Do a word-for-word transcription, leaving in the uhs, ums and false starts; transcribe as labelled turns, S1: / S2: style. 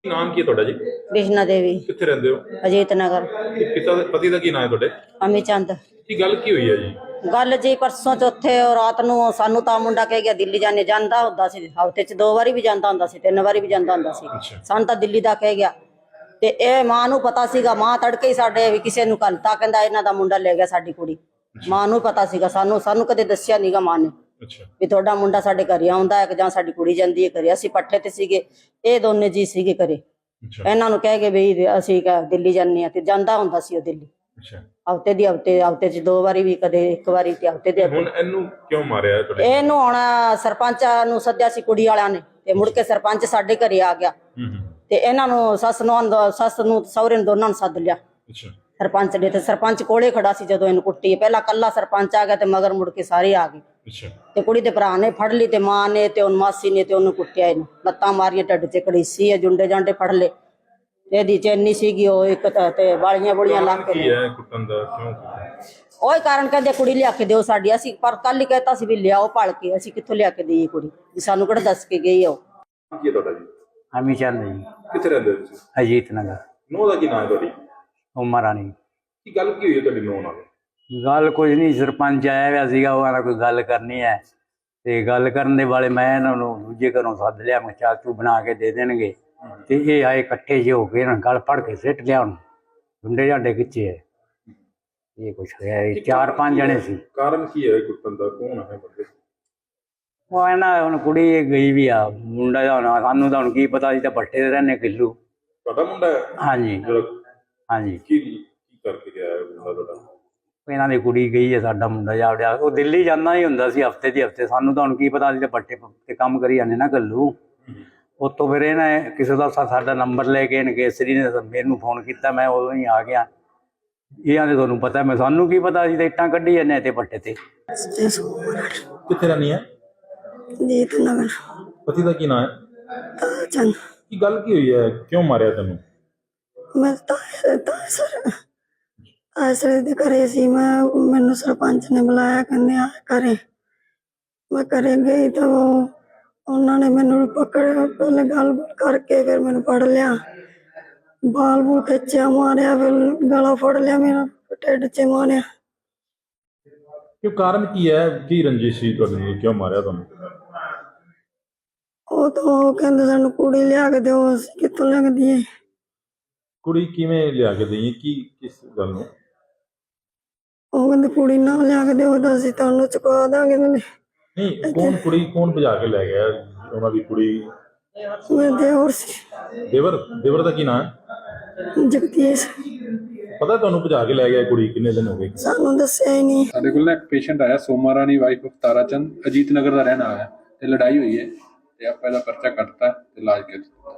S1: ਨਾਮ ਕੀ ਹੈ ਤੁਹਾਡਾ ਜੀ?
S2: कृष्णा देवी
S1: ਕਿੱਥੇ ਰਹਿੰਦੇ ਹੋ?
S2: अजीत नगर
S1: ਤੇ ਪਿਤਾ ਦਾ ਪਤੀ ਦਾ ਕੀ ਨਾਮ ਹੈ ਤੁਹਾਡੇ?
S2: अमी चंद
S1: ਕੀ ਗੱਲ ਕੀ ਹੋਈ ਹੈ ਜੀ?
S2: गल जी परसों चौथे रात ਨੂੰ ਸਾਨੂੰ ਤਾਂ ਮੁੰਡਾ ਕਹਿ ਗਿਆ ਦਿੱਲੀ ਜਾਣੇ ਜਾਂਦਾ ਹੁੰਦਾ ਸੀ, ਹਫ਼ਤੇ ਚ ਦੋ ਵਾਰੀ ਵੀ ਜਾਂਦਾ ਹੁੰਦਾ ਸੀ, ਤਿੰਨ ਵਾਰੀ ਵੀ ਜਾਂਦਾ ਹੁੰਦਾ ਸੀ। ਸਾਨੂੰ ਤਾਂ ਦਿੱਲੀ ਦਾ ਕਹਿ ਗਿਆ ਤੇ ਇਹ ਮਾਂ ਨੂੰ ਪਤਾ ਸੀਗਾ। ਮਾਂ ਤੜਕੇ ਹੀ ਸਾਡੇ ਵੀ ਕਿਸੇ ਨੂੰ ਘਲਤਾ, ਕਹਿੰਦਾ ਇਹਨਾਂ ਦਾ ਮੁੰਡਾ ਲੈ ਗਿਆ ਸਾਡੀ ਕੁੜੀ। ਮਾਂ ਨੂੰ ਪਤਾ ਸੀਗਾ, ਸਾਨੂੰ ਸਾਨੂੰ ਕਦੇ ਦੱਸਿਆ ਨਹੀਂਗਾ ਮਾਂ ਨੇ ਵੀ ਤੁਹਾਡਾ ਮੁੰਡਾ ਸਾਡੇ ਘਰੇ ਆਉਂਦਾ ਹੈ ਜਾਂ ਸਾਡੀ ਕੁੜੀ ਜਾਂਦੀ ਹੈ ਘਰੇ। ਅਸੀਂ ਪੱਠੇ ਤੇ ਸੀਗੇ, ਇਹ ਦੋਨੇ ਜੀ ਸੀਗੇ ਘਰੇ। ਇਹਨਾਂ ਨੂੰ ਕਹਿ ਕੇ ਵੀ ਅਸੀਂ ਦਿੱਲੀ ਜਾਂਦੇ ਹਾਂ, ਤੇ ਜਾਂਦਾ ਹੁੰਦਾ ਸੀ ਉਹ ਦਿੱਲੀ ਹਫ਼ਤੇ ਦੀ ਹਫ਼ਤੇ ਹਫ਼ਤੇ ਚ ਦੋ ਵਾਰੀ ਵੀ, ਕਦੇ ਇੱਕ ਵਾਰੀ ਤੇ ਹਫ਼ਤੇ ਦੇ।
S1: ਹੁਣ ਇਹਨੂੰ ਕਿਉਂ ਮਾਰਿਆ ਤੁਹਾਡੇ?
S2: ਇਹਨੂੰ ਹੁਣ ਸਰਪੰਚਾਂ ਨੂੰ ਸੱਦਿਆ ਸੀ ਕੁੜੀ ਵਾਲਿਆਂ ਨੇ, ਤੇ ਮੁੜ ਕੇ ਸਰਪੰਚ ਸਾਡੇ ਘਰੇ ਆ ਗਿਆ ਤੇ ਇਹਨਾਂ ਨੂੰ ਸੱਸ ਨੂੰ ਸੱਸ ਨੂੰ ਸਹੁਰੇ ਨੂੰ ਦੋਨਾਂ ਨੂੰ ਸੱਦ ਲਿਆ ਸਰਪੰਚ ਨੇ। ਤੇ ਸਰਪੰਚ ਕੋਲੇ ਖੜਾ ਸੀ ਜਦੋਂ ਇਹਨੂੰ ਕੁੱਟੀ। ਪਹਿਲਾਂ ਕੱਲਾ ਸਰਪੰਚ ਆ ਗਿਆ ਤੇ ਮਗਰ ਮੁੜ ਕੇ ਸਾਰੇ ਆ ਗਏ। ਤੇ ਕੁੜੀ ਦੇ ਭਰਾ ਨੇ ਫੜ ਲਈ ਤੇ ਮਾਂ ਨੇ ਤੇ ਉਹਨ ਮਾਸੀ ਨੇ ਤੇ ਉਹਨੂੰ ਕੁੱਟਿਆ। ਇਹਨੂੰ ਲੱਤਾਂ ਮਾਰੀਆਂ, ਢਿੱਡ ਚ ਕੜੀਸੀ ਹੈ, ਜੁੰਡੇ ਜਾਂਡੇ ਫੜ ਲਏ। ਇਹਦੀ ਚੈਨੀ ਸੀਗੀ ਉਹ ਇੱਕ ਤੇ ਵਾਲੀਆਂ ਬੁਲੀਆਂ ਲਾ ਕੇ।
S1: ਕੁੱਟਣ ਦਾ ਕਿਉਂ?
S2: ਉਹੀ ਕਾਰਨ ਕਹਿੰਦੇ ਕੁੜੀ ਲਿਆ ਕੇ ਦਿਓ ਸਾਡੀ। ਅਸੀਂ ਪਰ ਕੱਲ ਹੀ ਕਹਿਤਾ ਸੀ ਵੀ ਲਿਆਓ ਭਲ ਕੇ, ਅਸੀਂ ਕਿੱਥੋਂ ਲਿਆ ਕੇ ਦੇਈਏ ਕੁੜੀ, ਵੀ ਸਾਨੂੰ ਕਿਹੜਾ ਦੱਸ ਕੇ ਗਈ ਆ ਉਹ।
S1: ਕੀ ਹੈ ਤੁਹਾਡਾ ਜੀ?
S3: ਅਮੀ ਚੰਦ ਜੀ।
S1: ਕਿੱਥੇ ਰਹਿੰਦੇ ਹੋ ਤੁਸੀਂ?
S3: ਅਜੀਤ ਨਗਰ।
S1: ਨੂੰਹ ਦਾ ਕੀ ਨਾਮ ਹੈ ਤੁਹਾਡੀ?
S3: ਉਮਰ ਰਾਣੀ।
S1: ਕੀ ਗੱਲ ਕੀ ਹੋਈ ਤੁਹਾਡੀ ਨੂੰਹ ਨਾਲ?
S3: ਗੱਲ ਕੁਝ ਨਹੀਂ, ਸਰਪੰਚ ਆਇਆ ਹੋਇਆ ਸੀਗਾ, ਉਹ ਆਲਾ ਕੋਈ ਗੱਲ ਕਰਨੀ ਹੈ ਤੇ ਗੱਲ ਕਰਨ ਦੇ ਵਾਲੇ ਮੈਂ ਇਹਨਾਂ ਨੂੰ ਦੂਜੇ ਘਰੋਂ ਸੱਦ ਲਿਆ। ਮੈਂ ਚਾਚੂ ਬਣਾ ਕੇ ਦੇ ਦੇਣਗੇ ਤੇ ਇਹ ਆਏ ਇਕੱਠੇ ਜਿਹੇ ਹੋ ਕੇ ਇਹਨਾਂ ਗਲ ਫੜ ਕੇ ਸਿੱਟ ਲਿਆ। ਹੁਣ ਡੁੰਡੇ ਜਾਂਡੇ ਖਿੱਚੇ ਹੈ, ਇਹ ਕੁਛ ਹੋਇਆ। ਚਾਰ ਪੰਜ ਜਣੇ ਸੀ।
S1: ਕਾਰਨ ਕੀ ਹੈ ਕੁੱਟਣ ਦਾ? ਕੌਣ ਹੈ ਬੰਦੇ?
S3: ਉਹ ਇਹਨਾਂ ਹੁਣ ਕੁੜੀ ਗਈ ਵੀ ਆ, ਮੁੰਡਾ ਦਾ ਹੁਣ ਸਾਨੂੰ ਤਾਂ ਹੁਣ ਕੀ ਪਤਾ ਸੀ, ਤਾਂ ਪੱਟੇ ਦੇ ਰਹਿੰਦੇ ਕਿੱਲੂ।
S1: ਤੁਹਾਡਾ ਮੁੰਡਾ ਹੈ?
S3: ਹਾਂਜੀ ਹਾਂਜੀ।
S1: ਕੀ ਕੀ ਕਰਕੇ ਗਿਆ ਮੁੰਡਾ ਤੁਹਾਡਾ?
S3: ਇਹਨਾਂ ਦੀ ਕੁੜੀ ਗਈ ਹੈ, ਸਾਡਾ ਮੁੰਡਾ ਜਾਵੜਿਆ। ਉਹ ਦਿੱਲੀ ਜਾਂਦਾ ਹੀ ਹੁੰਦਾ ਸੀ ਹਫ਼ਤੇ ਦੀ ਹਫ਼ਤੇ। ਸਾਨੂੰ ਤਾਂ ਹੁਣ ਕੀ ਪਤਾ ਸੀ, ਤਾਂ ਪੱਟੇ ਤੇ ਕੰਮ ਕਰੀ ਜਾਂਦੇ ਨਾ ਕੱਲੂ। ਉੱਥੋਂ ਫਿਰ ਇਹਨੇ ਕਿਸੇ ਦਾ ਸਾਡਾ ਨੰਬਰ ਲੈ ਕੇ ਇਹਨੇ ਕੇਸਰੀ ਨੇ ਮੈਨੂੰ ਫੋਨ ਕੀਤਾ। ਮੈਂ ਉਦੋਂ ਹੀ ਆ ਗਿਆ। ਇਹਨਾਂ ਦੇ ਤੁਹਾਨੂੰ ਪਤਾ, ਮੈਂ ਸਾਨੂੰ ਕੀ ਪਤਾ ਸੀ, ਤਾਂ ਇੱਟਾਂ ਕੱਢੀ ਜਾਂਦੇ ਤੇ ਪੱਟੇ ਤੇ।
S1: ਕਿੱਥੇ ਰਹਿੰਦੀ ਹੈ?
S2: ਅਜੀਤ ਨਗਰ।
S1: ਪਤੀ ਦਾ ਕੀ ਨਾਮ ਹੈ?
S2: ਚੰਦ।
S1: ਕੀ ਗੱਲ ਕੀ ਹੋਈ ਹੈ? ਕਿਉਂ ਮਾਰਿਆ ਤੈਨੂੰ?
S2: ਮੈਂ ਤਾਂ ਸਰ ਆਸਰੇ ਦੇ ਘਰੇ ਸੀ। ਮੈਂ ਮੈਨੂੰ ਸਰਪੰਚ ਨੇ ਬੁਲਾਇਆ, ਕਹਿੰਦੇ ਆ ਘਰੇ। ਮੈਂ ਘਰੇ ਗਈ ਤਾਂ ਉਹ ਉਹਨਾਂ ਨੇ ਮੈਨੂੰ ਪਕੜਿਆ, ਪਹਿਲੇ ਗੱਲ ਕਰਕੇ ਫਿਰ ਮੈਨੂੰ ਫੜ ਲਿਆ, ਬਾਲ ਬੂਲ ਖਿੱਚਿਆ, ਮਾਰਿਆ, ਫਿਰ ਗਲਾ ਫੜ ਲਿਆ ਮੇਰਾ, ਢਿੱਡ ਚ ਮਾਰਿਆ।
S1: ਕਿਉਂ? ਕਾਰਨ ਕੀ ਹੈ? ਕੀ ਰੰਜਿਸ਼ ਸੀ ਤੁਹਾਡੇ ਨਾਲ? ਕਿਉਂ ਮਾਰਿਆ ਤੁਹਾਨੂੰ?
S2: ਉਹ ਤਾਂ ਉਹ ਕਹਿੰਦੇ ਸਾਨੂੰ ਕੁੜੀ ਲਿਆ ਕੇ ਦਿਓ। ਅਸੀਂ ਕਿੱਥੋਂ ਲਿਆ ਕੇ ਦਈਏ?
S1: ਕੁੜੀ ਕਿਵੇਂ ਲਿਆ ਕੇ ਦੇਈਏ? ਕੀ ਕਿਸ ਗੱਲ ਨੂੰ?
S2: ਉਹ ਕਹਿੰਦੇ ਕੁੜੀ ਨਾ ਲਿਆ ਕੇ ਦਿਓ ਤਾਂ ਅਸੀਂ ਤੁਹਾਨੂੰ ਚੁਕਾ ਦਾਂਗੇ।
S1: ਨਹੀਂ, ਕੌਣ ਕੁੜੀ ਕੌਣ ਭਜਾ ਕੇ ਲੈ ਗਿਆ? ਉਹਨਾਂ ਦੀ ਕੁੜੀ?
S2: ਮੈਂ ਦੇਵਰ ਸੀ।
S1: ਦੇਵਰ? ਦੇਵਰ ਦਾ ਕੀ ਨਾਮ ਹੈ?
S2: ਜਗਦੀਸ਼।
S1: ਪਤਾ ਤੁਹਾਨੂੰ ਭਜਾ ਕੇ ਲੈ ਗਿਆ ਕੁੜੀ? ਕਿੰਨੇ ਦਿਨ ਹੋ ਗਏ?
S2: ਸਾਨੂੰ ਦੱਸਿਆ ਹੀ ਨਹੀਂ।
S4: ਸਾਡੇ ਕੋਲ ਨਾ ਇੱਕ ਪੇਸ਼ੈਂਟ ਆਇਆ, ਸੋਮਾ ਰਾਣੀ ਵਾਈਫ ਆਫ ਤਾਰਾ ਚੰਦ, ਅਜੀਤ ਨਗਰ ਦਾ ਰਹਿਣ ਵਾਲਾ ਹੈ ਤੇ ਲੜਾਈ ਹੋਈ ਹੈ ਤੇ ਆਪਾਂ ਇਹਦਾ ਪਰਚਾ ਕੱਟਤਾ ਤੇ ਇਲਾਜ ਕੀਤਾ।